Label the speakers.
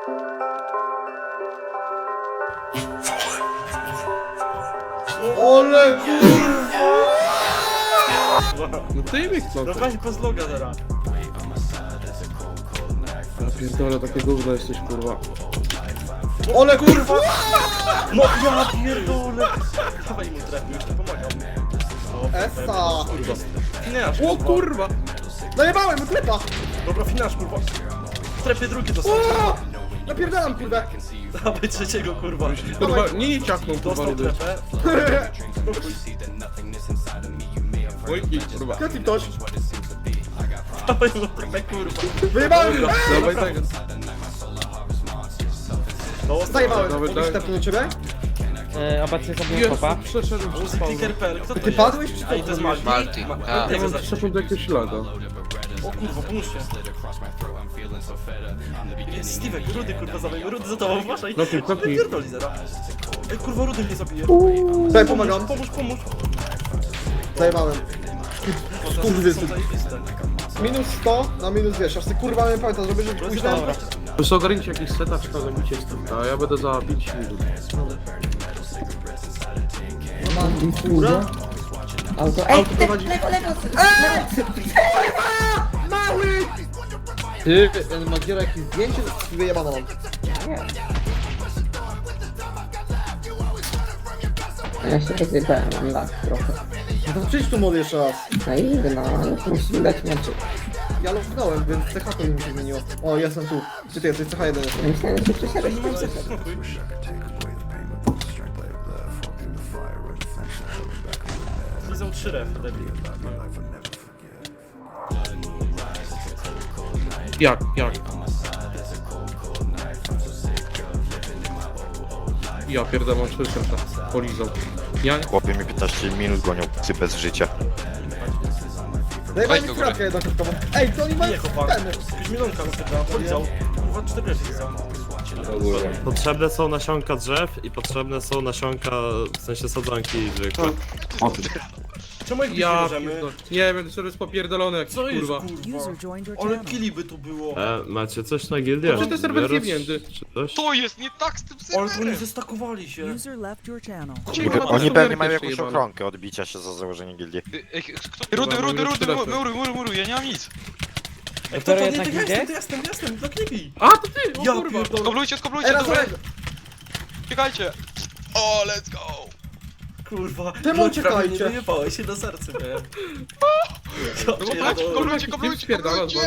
Speaker 1: Ole
Speaker 2: No ty mi chcą.
Speaker 3: No weź bez loga teraz.
Speaker 2: Ja pierdolę, takie gówno jesteś, kurwa.
Speaker 1: Ole kurwa!
Speaker 3: No ja pierdolę. Dawaj mu trefy, już nie pomagam.
Speaker 1: Essa!
Speaker 3: Finasz,
Speaker 2: O kurwa!
Speaker 1: Najebałem mu klepa!
Speaker 3: Dobra, finasz, kurwa. Trefie drugi dostał.
Speaker 1: O! Napierdalam kurwę!
Speaker 3: Dawaj trzeciego, kurwa.
Speaker 2: Kurwa, nie ciachnął, kurwa,
Speaker 3: Dostał
Speaker 2: rudy.
Speaker 3: trefę.
Speaker 2: Oj, kurwa.
Speaker 1: Kati ktoś!
Speaker 3: Dawaj mu trefę, kurwa.
Speaker 1: Wyjebałem!
Speaker 2: Dawaj tego.
Speaker 1: Zajebałem!
Speaker 2: Dawaj,
Speaker 1: Mogę
Speaker 2: dawaj.
Speaker 1: sztepnąć do ciebie?
Speaker 4: Obecnie zrobiłem
Speaker 2: Jezu,
Speaker 4: kopa.
Speaker 2: przeszedł przez spawna.
Speaker 3: Clicker.pl, kto to
Speaker 1: Ty
Speaker 3: jest?
Speaker 1: padłeś czy co?
Speaker 3: Ej, to jest Malti.
Speaker 5: Malti,
Speaker 3: Ma-
Speaker 5: tak.
Speaker 2: Ja
Speaker 3: Tego
Speaker 2: mam
Speaker 3: zacznij.
Speaker 2: przeszedł jakiegoś lada.
Speaker 3: O kurwa, pomóżcie. Jest Stevek, Rudy kurwa zabijmy, Rudy za tobą, uważaj.
Speaker 2: Kopnij, kopnij.
Speaker 3: Pierdoli zera. Ej kurwa, Rudy mnie zabije.
Speaker 1: Daj, pomagam.
Speaker 3: Pomóż.
Speaker 1: Zajebałem.
Speaker 3: Kurwy są zajebiste.
Speaker 1: Minus 100 na minus 200. Aż ty kurwa mnie pamiętam, żeby pójść tam.
Speaker 2: Proszę ogarnijcie jakiś setup, czy to zabicie z tym. A ja będę za 5 minut.
Speaker 1: Kurwa?
Speaker 4: Auto.
Speaker 1: Auto prowadzi... Mały! Ty, ten Magiera jakieś zdjęcie wyjebane mam.
Speaker 4: Ja się rozjebałem, mam lat trochę.
Speaker 1: No to przyjdź tu młody jeszcze raz.
Speaker 4: No i no, musisz mi dać meczy.
Speaker 1: Ja lognąłem, więc CH to mi się zmieniło. O, jestem tu. Gdzie ty jesteś? CH1 jestem.
Speaker 4: Ja myślałem, że się przesiadłeś.
Speaker 3: Lizą 3 ref, debil.
Speaker 2: Jak? Ja pierdolę, mam 4 serca. Polizał. Ja nie...
Speaker 6: Chłopie mi 15 minut gonią psy bez życia.
Speaker 1: Zajebałem
Speaker 5: Weź
Speaker 1: mi
Speaker 5: do góry.
Speaker 1: kratkę jednokrótkową. Ej, to oni mają
Speaker 3: Nie, chłopak.
Speaker 1: ten.
Speaker 3: Jakiś milonka na polizał. Kurwa, 4 refy lizał.
Speaker 7: Potrzebne są nasionka drzew i potrzebne są nasionka, w sensie sadzonki zwykłe.
Speaker 3: Czemu ich
Speaker 2: Ja
Speaker 3: nie możemy?
Speaker 2: pierdolę. Nie wiem, to jest popierdolony jakiś,
Speaker 3: Co jest
Speaker 2: kurwa.
Speaker 3: kurwa? Ale killi by tu było.
Speaker 7: Macie coś na gildię?
Speaker 2: Znaczy, to serwer
Speaker 7: Wierusz,
Speaker 2: zjebnięty.
Speaker 7: czy coś?
Speaker 5: To jest nie tak z tym
Speaker 3: Ale to oni
Speaker 5: serwerem!
Speaker 3: zestakowali się.
Speaker 8: User left your channel.
Speaker 2: Kurwa,
Speaker 6: Oni
Speaker 2: to
Speaker 6: pewnie
Speaker 2: są
Speaker 6: mają
Speaker 2: jeszcze
Speaker 6: jakąś
Speaker 2: jebane.
Speaker 6: ochronkę odbicia się za założenie gildii.
Speaker 5: Ej, kto? Rudy, mury, ja nie mam nic!
Speaker 3: Ej, kto to nie,
Speaker 4: jednak
Speaker 3: to ja
Speaker 4: idzie?
Speaker 3: jestem, to klibi.
Speaker 2: A, to ty! O
Speaker 3: Ja
Speaker 2: kurwa!
Speaker 3: pierdolę.
Speaker 5: Skoblujcie,
Speaker 1: Ej, raz,
Speaker 5: dobra!
Speaker 1: raz.
Speaker 5: Czekajcie! O, let's go!
Speaker 3: Kurwa,
Speaker 1: Czemu
Speaker 3: prawie
Speaker 1: uciekajcie?
Speaker 3: nie wyjebałeś się na serce, miałem.
Speaker 2: No bo patrz, kurwa, jakiś typ spierdala z